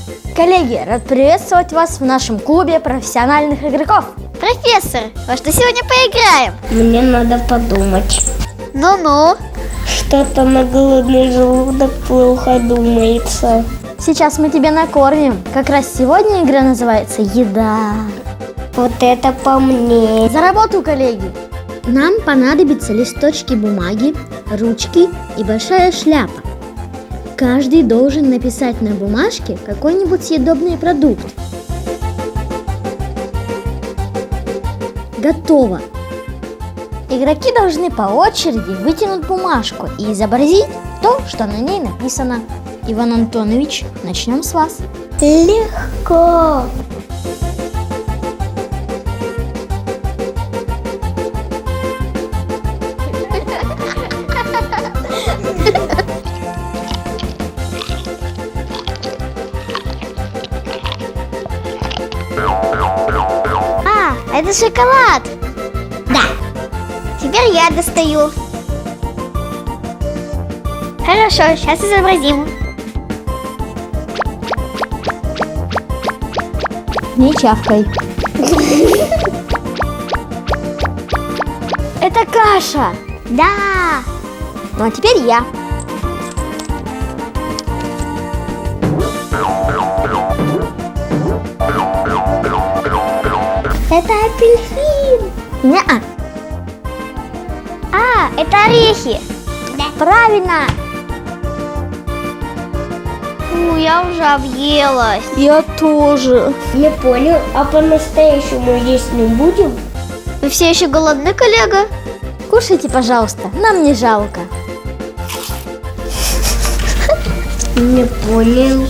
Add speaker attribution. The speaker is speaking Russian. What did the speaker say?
Speaker 1: Коллеги, рад приветствовать вас в нашем клубе профессиональных игроков.
Speaker 2: Профессор, во что сегодня поиграем?
Speaker 3: Мне надо подумать.
Speaker 2: Ну-ну.
Speaker 3: Что-то на голодный желудок плохо думается.
Speaker 1: Сейчас мы тебя накормим. Как раз сегодня игра называется «Еда».
Speaker 3: Вот это по мне.
Speaker 1: За работу, коллеги! Нам понадобятся листочки бумаги, ручки и большая шляпа. Каждый должен написать на бумажке какой-нибудь съедобный продукт. Готово! Игроки должны по очереди вытянуть бумажку и изобразить то, что на ней написано. Иван Антонович, начнем с вас.
Speaker 3: Легко.
Speaker 2: Это шоколад.
Speaker 3: Да.
Speaker 2: Теперь я достаю. Хорошо, сейчас изобразим.
Speaker 1: Не чавкай. Это каша.
Speaker 2: Да.
Speaker 1: Ну а теперь я.
Speaker 3: Это апельсин.
Speaker 1: Неа.
Speaker 2: Это орехи.
Speaker 1: Правильно.
Speaker 2: Я уже объелась.
Speaker 1: Я тоже.
Speaker 3: Не понял, а по-настоящему есть не будем?
Speaker 2: Вы все еще голодны, коллега?
Speaker 1: Кушайте, пожалуйста, нам не жалко.
Speaker 3: Не понял.